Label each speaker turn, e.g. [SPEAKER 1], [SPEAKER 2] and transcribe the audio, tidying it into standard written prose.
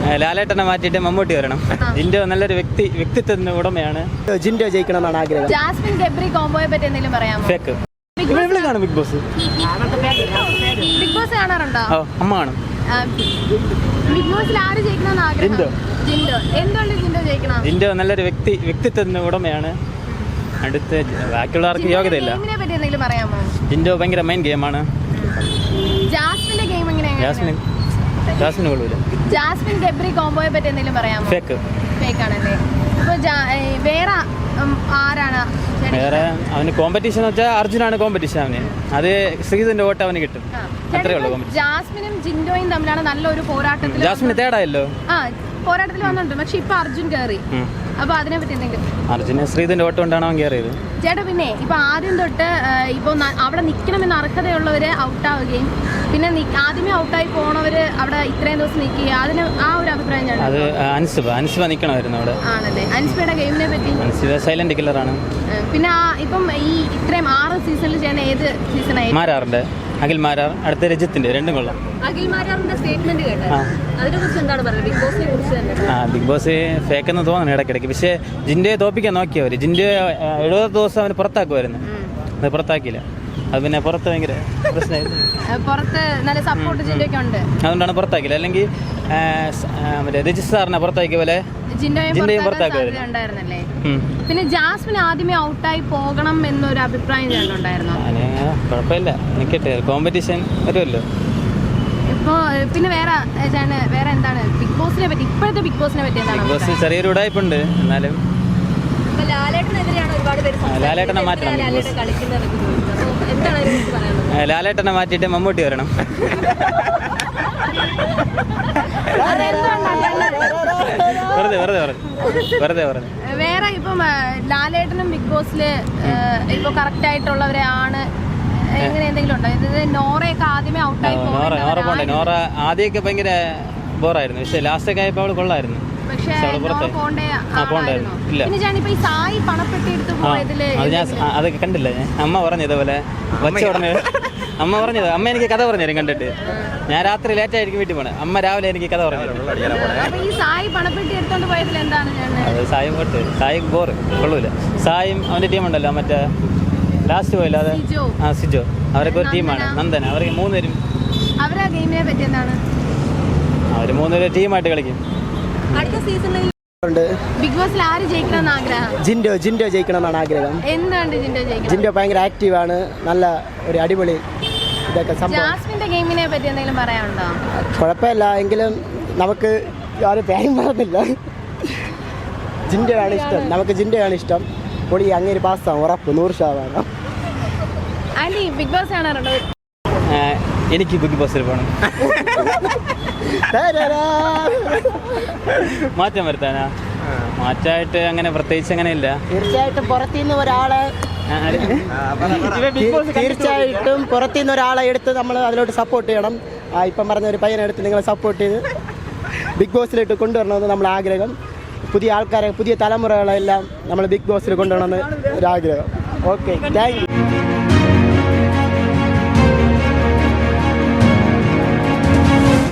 [SPEAKER 1] ലാലേട്ടനെ മാറ്റിയിട്ട് മമ്മൂട്ടി വരണം. ജിൻഡോ നല്ലൊരു വ്യക്തിത്വത്തിന് ഉടമയാണ്.
[SPEAKER 2] ജിൻഡോ ജയിക്കണം എന്നാണ് ആഗ്രഹം.
[SPEAKER 3] ജാസ്മിൻ ഗബ്രി കോംബോയെ പറ്റി എന്തെങ്കിലും പറയാമോ?
[SPEAKER 1] ഫേക്ക്. ഇവിടെ കാണും ബിഗ് ബോസ്.
[SPEAKER 3] ബിഗ് ബോസ് കാണാറുണ്ടോ?
[SPEAKER 1] അമ്മ കാണും.
[SPEAKER 3] ബിഗ് ബോസിൽ ആര് ജയിക്കണമെന്ന് ആഗ്രഹം? ജിൻഡോ. എന്തുകൊണ്ട് ജിൻഡോ ജയിക്കണം?
[SPEAKER 1] ജിൻഡോ നല്ലൊരു വ്യക്തിത്വത്തിന് ഉടമയാണ്. അടുത്ത് ബാക്കിയുള്ളവർക്ക് യോഗ്യതയില്ല.
[SPEAKER 3] ഗെയിമിനെ പറ്റി എന്തെങ്കിലും പറയാമോ?
[SPEAKER 1] ജിൻഡോ ഭയങ്കര മെയിൻ ഗെയിമാണ്.
[SPEAKER 3] ജാസ്മിന്റെ ഗെയിം എങ്ങനെയാണ്?
[SPEAKER 1] ജാസ്മിന് കൊള്ളൂല.
[SPEAKER 3] ജാസ്മിൻ ഗബ്രി കോംബോയെ പറ്റി എന്തെങ്കിലും പറയാമോ?
[SPEAKER 1] ഫേക്ക്
[SPEAKER 3] ആണല്ലേ. ഇപ്പൊ വേറെ ആരാണ്?
[SPEAKER 1] വേറെ അവന് കോമ്പറ്റീഷൻ എന്ന് വെച്ചാൽ അർജുനാണ് കോമ്പറ്റീഷൻ. അവന് അത് ശ്രീധന്റെ വോട്ട് അവന് കിട്ടും. അത്രേ ഉള്ളൂ.
[SPEAKER 3] ജാസ്മിനും ജിൻഡോയും തമ്മിലാണ് നല്ലൊരു പോരാട്ടത്തിൽ.
[SPEAKER 1] ജാസ്മിന് തേടായല്ലോ,
[SPEAKER 3] പോരാട്ടത്തിൽ വന്നിട്ടുണ്ട്. പക്ഷെ ഇപ്പൊ അർജുൻ കയറി. അപ്പൊ അതിനെ പറ്റി എന്തെങ്കിലും?
[SPEAKER 1] അർജുന് ശ്രീധന്റെ വോട്ട് കൊണ്ടാണ് അവൻ കയറിയത്.
[SPEAKER 3] ചേട്ടാ, പിന്നെ ഇപ്പൊ ആദ്യം തൊട്ട് ഇപ്പൊ അവിടെ നിൽക്കണമെന്ന് അർഹതയുള്ളവര് ഔട്ടാവുകയും പിന്നെ ആദ്യമേ ഔട്ടായി പോണവര് അവിടെ ഇത്രയും ദിവസം നിൽക്കുക, അതിന് ആ ഒരു അഭിപ്രായം
[SPEAKER 1] അത് അൻസിബ നിൽക്കണമായിരുന്നു അവിടെ.
[SPEAKER 3] ആണല്ലേ. അൻസിബയുടെ ഗെയിമിനെ പറ്റി?
[SPEAKER 1] അൻസിബ സൈലന്റ് കില്ലറാണ്.
[SPEAKER 3] പിന്നെ ഇപ്പം ഈ ഇത്രയും 6 സീസണിൽ ചെയ്യുന്ന ഏത് സീസണായി?
[SPEAKER 1] മാരാറിന്റെ അഖിൽ മാരാർ, അടുത്ത രജിത്തിന്റെ, രണ്ടും കൊള്ളാം.
[SPEAKER 3] അഖിൽ മാരാറിന്റെ സ്റ്റേറ്റ്മെന്റ് കേട്ടോ, അതിനെ കുറിച്ച് എന്താണ് പറയുന്നത്? ബിഗ് ബോസിനെ കുറിച്ച് തന്നെ.
[SPEAKER 1] ബിഗ് ബോസ് ഫേക്ക് എന്ന് തോന്നുന്നു ഇടയ്ക്കിടയ്ക്ക്. പക്ഷേ ജിൻഡോയെ തോപ്പിക്കാൻ നോക്കിയവര്. ജിൻഡോ 70 ദിവസം അവന് പുറത്താക്കുമായിരുന്നു. അത് പുറത്താക്കിയില്ല. അത് പിന്നെ പുറത്ത് ഭയങ്കര പ്രശ്നമായിരുന്നു.
[SPEAKER 3] പുറത്ത് നല്ല സപ്പോർട്ട് ജിൻഡോയ്ക്ക് ഉണ്ട്,
[SPEAKER 1] അതുകൊണ്ടാണ് പുറത്താക്കില്ല. അല്ലെങ്കിൽ മറ്റേ രജിസ്ട്രാറിനെ പുറത്താക്കിയ പോലെ ജിൻഡോയും പുറത്താക്കുമായിരുന്നു.
[SPEAKER 3] പിന്നെ ജാസ്മിൻ ആദ്യമേ ഔട്ടായി പോകണം എന്നൊരു അഭിപ്രായം ഉണ്ടായിരുന്നു.
[SPEAKER 1] കുഴപ്പമില്ല, നിൽക്കട്ടെ, കോമ്പറ്റീഷൻ വരുമല്ലോ.
[SPEAKER 3] ഇപ്പോ പിന്നെ വേറെ എന്താണ് ബിഗ് ബോസിനെ പറ്റി? ഇപ്പോഴത്തെ ബിഗ് ബോസിനെ പറ്റി എന്താണ്?
[SPEAKER 1] ബിഗ് ബോസ് ചെറിയൊരു ഉടായ്പുണ്ട്. എന്നാലും ലാലേട്ടനെ മാറ്റണം. ലാലേട്ടനെ മാറ്റിയിട്ട് മമ്മൂട്ടി വരണം. വെറുതെ പറഞ്ഞു.
[SPEAKER 3] വേറെ ഇപ്പം ലാലേട്ടനും ബിഗ് ബോസില് ഇപ്പൊ കറക്റ്റ് ആയിട്ടുള്ളവരെ ആണ് എങ്ങനെ എന്തെങ്കിലും ഉണ്ടോ? ഇത് നോറയൊക്കെ ആദ്യമേ ഔട്ടായി
[SPEAKER 1] പോകണ്ടേ. നോറ ആദ്യമൊക്കെ ഭയങ്കര ബോറായിരുന്നു. പക്ഷെ ലാസ്റ്റൊക്കെ ആയപ്പോ അവള് കൊള്ളായിരുന്നു. അതൊക്കെ കണ്ടില്ല ഞാൻ. അമ്മ പറഞ്ഞത് പോലെ വച്ച ഉടനെ അമ്മ എനിക്ക് കഥ പറഞ്ഞു തരും കണ്ടിട്ട്. ഞാൻ രാത്രി ലേറ്റ് ആയിരിക്കും വീട്ടിൽ പോണേ. അമ്മ രാവിലെ എനിക്ക് കഥ പറഞ്ഞു തരും. അത് സായും കൊട്ട് സായിക്ക് ബോറ് കൊള്ളൂല. സായും അവന്റെ ടീമുണ്ടല്ലോ, മറ്റേ ലാസ്റ്റ് പോയില്ല, അത് സിജോ, അവരൊക്കെ ഒരു ടീമാണ്. നന്ദന, അവർക്ക് 3 പേരും അവര് 3 പേരും ടീമായിട്ട് കളിക്കും.
[SPEAKER 3] ബിഗ് ബോസിൽ ആര് ജയിക്കണമെന്ന് ആഗ്രഹം?
[SPEAKER 2] ജിൻഡോ ജയിക്കണം എന്നാണ് ആഗ്രഹം.
[SPEAKER 3] എന്തുകൊണ്ട് ജിൻഡോ ജയിക്കണം?
[SPEAKER 2] ജിൻഡോ ഭയങ്കര ആക്റ്റീവാണ്, നല്ല ഒരു അടിപൊളി ഇതൊക്കെ.
[SPEAKER 3] ജാസ്മിന്റെ ഗെയിമിനെ പറ്റി എന്തെങ്കിലും പറയാനുണ്ടോ?
[SPEAKER 2] കുഴപ്പമില്ല, എങ്കിലും നമുക്ക് ആരും പേരും പറഞ്ഞില്ല. ജിൻഡോയാണ് ഇഷ്ടം, നമുക്ക് ജിൻഡോയാണ് ഇഷ്ടം. പൊടി അങ്ങനെ പാസ്സാവും, ഉറപ്പ് 100%.
[SPEAKER 3] ബിഗ് ബോസ് കാണാറുണ്ടോ?
[SPEAKER 1] എനിക്ക് ബിഗ് ബോസിൽ പോകണം. മാറ്റം വരുത്താനാ? മാറ്റമായിട്ട് അങ്ങനെ പ്രത്യേകിച്ച് അങ്ങനെ ഇല്ല.
[SPEAKER 2] തീർച്ചയായിട്ടും പുറത്തുനിന്ന് ഒരാളെ എടുത്ത് നമ്മൾ അതിലോട്ട് സപ്പോർട്ട് ചെയ്യണം. ഇപ്പം പറഞ്ഞ ഒരു പയ്യനെ എടുത്ത് നിങ്ങൾ സപ്പോർട്ട് ചെയ്ത് ബിഗ് ബോസിലോട്ട് കൊണ്ടുവരണമെന്ന് നമ്മൾ ആഗ്രഹം. പുതിയ ആൾക്കാരെ, പുതിയ തലമുറകളെല്ലാം നമ്മൾ ബിഗ് ബോസിൽ കൊണ്ടുവരണമെന്ന് ഒരാഗ്രഹം. Okay, thank U.